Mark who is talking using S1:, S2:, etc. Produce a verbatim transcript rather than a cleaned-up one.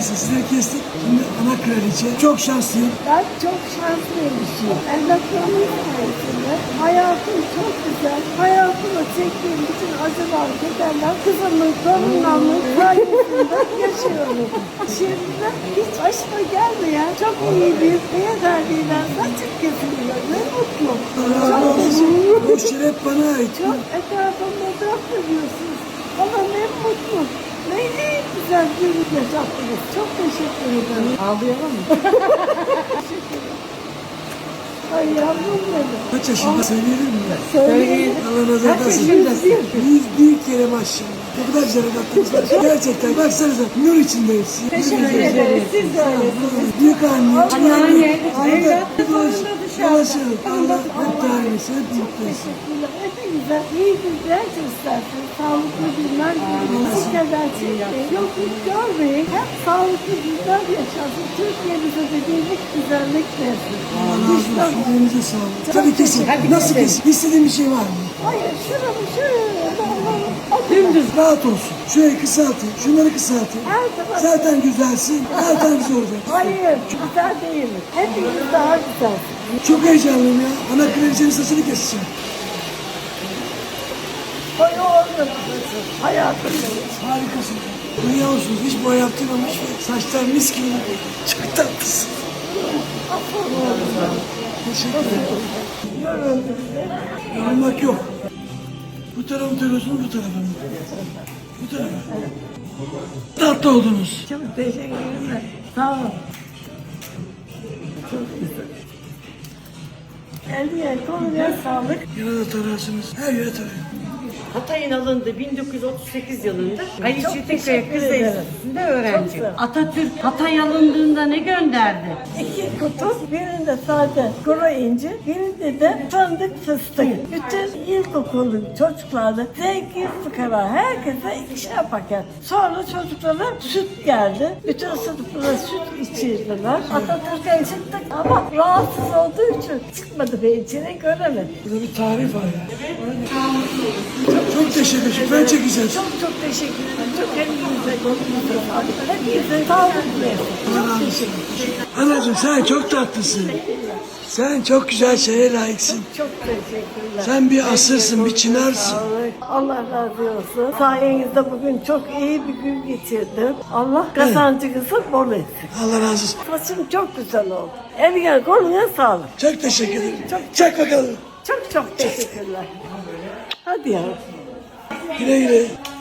S1: Neyse sizleri kestik. Şimdi ana kraliçe. Çok şanslıyım.
S2: Ben çok şanslıymışım. Evlatlarımın sayesinde hayatım çok güzel. Hayatımda çektiğim bütün acılar, kederler kızımın, torunlarımın sayesinde yaşıyorum. Şimdi hiç başıma gelmeyen çok iyi bir beyefendiyle saçım kesiliyor. Ne mutlu. Çok teşekkür ederim.
S1: Bu şeref bana ait.
S2: Çok etrafımda dört ediyorsunuz. Ama ne mutlu. Ne ne güzel bir yaşattınız. Çok teşekkür ederim. Ağlayalım mı? Teşekkür ederim. Ay yavrum benim.
S1: Kaç yaşında söyleyelim mi?
S2: Söyleyin.
S1: Allah nazar değmesin. Yüz bir kere maşallah. Ne kadar güzel evlatlarımız var. Gerçekten baksanıza nur içinde hepsi.
S2: Teşekkür ederiz. Siz de öylesiniz.
S1: Büyük anne,
S2: Anneanne,
S1: Arada
S2: evlat,
S1: dolaşır, dolaşır. Allah hep daimesi, hep mutlu olsun.
S2: Teşekkürler. Hepinize iyi günler göstersin. Sağlıklı günler görün. Bu kadar çekmeyin. Yokluk görmeyin. Hep sağlıklı günler yaşasın. Türkiye'mize de birlik, güzellik versin.
S1: Allah razı olsun. Elinize sağlık. Tabii kesin. Nasıl kesin? İstediğin bir şey var mı?
S2: Hayır, şuramı şöyle.
S1: Dümdüz. Rahat olsun. Şurayı kısaltayım, şunları kısaltayım.
S2: Her zaman.
S1: Zaten güzelsin, zaten güzel olacak.
S2: Hayır, güzel değiliz. Hepimiz daha güzelsiniz.
S1: Çok heyecanlıyım ya. Ana kraliçenin saçını keseceğim.
S2: Boya olmadı. Hayatımda.
S1: Harikasın. Dünya olsun. Hiç boya yaptırmamış ve saçlar mis gibi. Çok tatlısın. Teşekkür ederim. Yorulmak yok. Bu tarafa mı takıyorsunuz, bu tarafa mı? Bu tarafa. Tatlı oldunuz.
S2: Çok teşekkür ederim. Sağ olun. Çok güzel. Eline koluna sağlık.
S1: Yana da tararsınız. Her yere tarayın.
S3: Hatay'ın alındığı bin dokuz yüz otuz sekiz yılında Ali
S2: Çok
S3: Çetinkaya
S2: teşekkür
S3: Kız
S2: ederim.
S3: Enstitüsü'nde
S2: Çok
S3: öğrenci.
S2: güzel.
S3: Atatürk Hatay alındığında ne gönderdi?
S2: İki kutu, birinde sade kuru incir, birinde de fındık fıstık. Bütün ilkokulun çocukları zengin fıkara herkese ikişer paket. Sonra çocuklara süt geldi. Bütün sınıflara süt içirdiler. Atatürk'e çıktık ama rahatsız olduğu için çıkmadı ve içine göremedik.
S1: Burada bir tarih var ya. Çok, çok teşekkür ederim. Ben çekeceğim.
S2: Çok çok teşekkür ederim. Çok hepinize konunuza sağlık. Hepinize sağlık versin. Çok teşekkür ederim.
S1: Anacığım sen çok tatlısın. Sen çok güzel şeye layıksın.
S2: Çok teşekkürler.
S1: Sen bir asırsın, bir çınarsın.
S2: Sağlık. Allah razı olsun. Sayenizde bugün çok iyi bir gün geçirdim. Allah kazancınızı bol etsin.
S1: Allah razı olsun.
S2: Saçım çok güzel oldu. Eline koluna sağlık.
S1: Çok teşekkür ederim. Çek bakalım.
S2: Çok çok teşekkürler. Hadi yavrum.
S1: Güle güle.